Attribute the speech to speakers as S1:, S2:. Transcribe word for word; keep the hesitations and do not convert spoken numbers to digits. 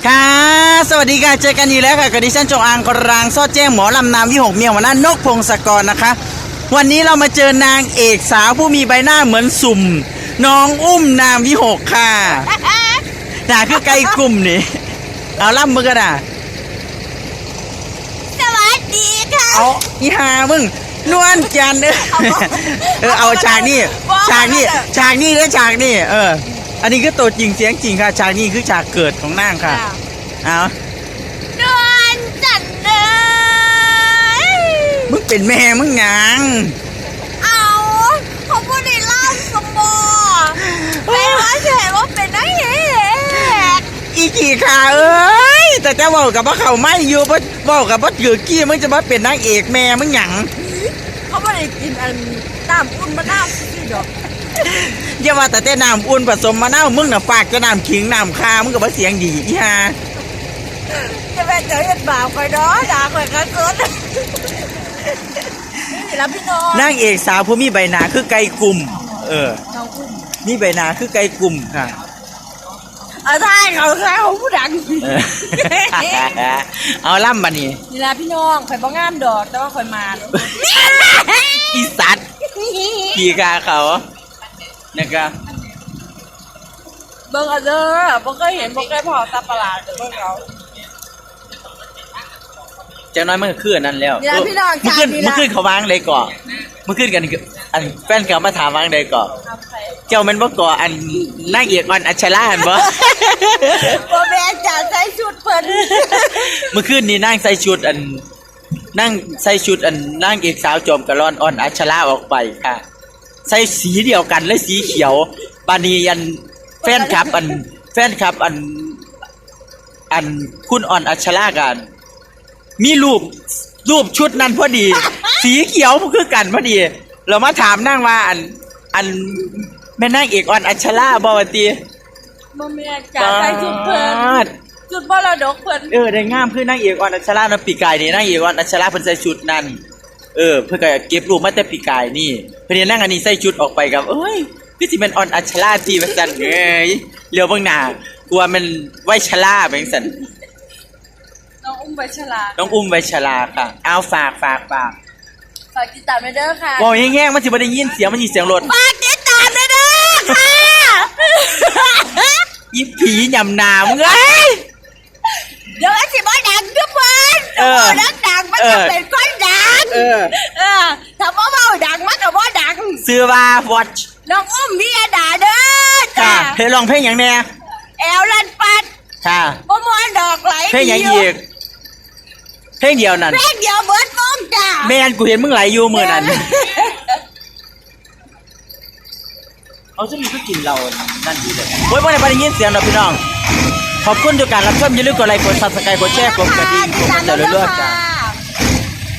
S1: ค่ะสวัสดีค่ะเจอกันอีกแล้วค่ะกับดิฉันจงอางกรางซอดแจ้งหมอลำนามวิหกเมียหัวหน้านกพงศกรนะคะวันนี้เรามาเจอนางเอกสาวผู้มีใบหน้าเหมือนสุ่มน้องอุ้มนามวิหกค่ะน่าคือไก่กลุ่มนี่เอาล่ำมือกันอ่ะ
S2: สวัสดีค่ะ
S1: เอาอีหามึงนวลจันทร์เออเออเอาฉากนี้ฉากนี้ฉากนี้และฉากนี้เอออันนี้คือตัวจริงเสียงจริงค่ะฉากนี้คือฉากเกิดของนางค่ะเอา
S2: นวลจันทร์เอ้ย
S1: มึงเป็นแม่มึงหยัง
S2: เอาเขาพูดในเล่าสมบูรณ์เป็นว่าเฉยว่าเป็นนักเอก
S1: อีกี่ขาเอ้ยแต่จะบอกกับว่าเขาไม่อยู่เพราะบอกกับว่าถือกี้มึงจะมาเป็นนางเอกแม่มึงหยัง
S2: เขาไม่ได้กินอันน้ำอุ่นมะนาวสิดอก
S1: อย่าว่าแต่แต่น้ำอุ่นผสมมะนาวมึงน่ะฝากจะน้ำขิงน้ำคามึงกับว่าเสียงดีอีห่า
S2: จะเป็นเจอเห็ดบ่าวคอยด้อด่าคอยกันสุดนี่รับพี่น้อง
S1: นางเอกสาวผู้มีใบหน้าคือไก่กลุ่มเออมีใบหน้าคือไก่กลุ่มค่ะ
S2: เอาได้เขาเขาผู้ดัง
S1: เอาล่ำมานี่
S2: นี่ละพี่น้องคอยบ้องงามดอกแต่ว่าคอยมา
S1: อีสัตว์กี่กาเขานะครับ
S2: เบิ่งเอาเด้อบ่เคยเห็นบ่เคยพอตาประหลาดเบิ่งเอา
S1: จังน้อยมันก็คือนั่นแล้ว
S2: นี่พี่น้อง
S1: มันขึ้นมันขึ้นเขาวางเลยก่อมันขึ้นกันอันแฟนเก่ามาถามวางเลยก่อเจ้ามันบ่ก่ออันนางเอกอ่อนอัชราเห็นบ่
S2: บ่แม่นจ้ะใส่ชุดเพิ่น
S1: เมื่อคืนนี้นางใส่ชุดอันนั่งใส่ชุดอันนางเอกสาวจอมกระล่อนอ่อนอัชราออกไปค่ะใส่สีเดียวกันและสีเขียวบานีอันแฟนคลับอันแฟนคลับอันอันคุณอ่อนอัชรากันมีรูปรูปชุดนั้นพอดีสีเขียวคือกันพอดีเรามาถามนั่งว่าอันอันแม่นางเอกอ่อนอัชราบ่ว่าติ
S2: บ่แม่นจ้ะใส่ชุดเพิ่นชุดบ่ระดกเพิ่น
S1: เออได้งามคือนางเอกอ่อนอัชราเนาะปีกายนี่นางเอกอ่อนอัชราเพิ่นใส่ชุดนั้นเออเพิ่นก็เก็บรูปมาแต่ปีกายนี่เพิ่นนั่งอันนี้ใส่ชุดออกไปกับเอ้ยคือสิเป็นอ่อนอัชราติว่าซั่นเอ้ยเหลียวเบิ่งหน้ากลัวมันไว้ชราแบบซั่น
S2: น้องอุ้มไวชรา
S1: น้องอุ้มไวชราค่ะเอาฝากฝากฝาก
S2: ฝากติดตามเด้อค่ะ
S1: บอกแง่ๆมันสิบ่ได้ยินเสียงมันสิเสียงรถ
S2: ฝากติดตามเด้อค่ะ
S1: อีผียำนามึงเอ้ย
S2: เดี๋ยวสิบ่ดังทุกคนเออดังดังมันจะเป็นคนดังเออเออถ้าบ่เว้าดังมันก็บ่ดัง
S1: ชื่อว่า Watch
S2: น้องอุ้มวิยดาเด้อ
S1: จ้าเพลงร้องเพลงหยังแน่
S2: แอลลันปัด
S1: ค่ะ
S2: บ่ม่วนดอกไหล
S1: เพลงหยังอีกเพลงเดียวนั่น
S2: เพลงเดียวเบิดวงจ้า
S1: แม่นกูเห็นมึงไหลอยู่มื้อนั้นเอาจะมีก็กินเรานั่นดีเลยโอ้ยบ่ได้บ่ได้ยินเสียงดอกพี่น้องขอบคุณทุกการรับชมอย่าลืมกดไลค์กด Subscribe กดแชร์กดกระดิ่งกดติดตามเรื่อยๆจ้า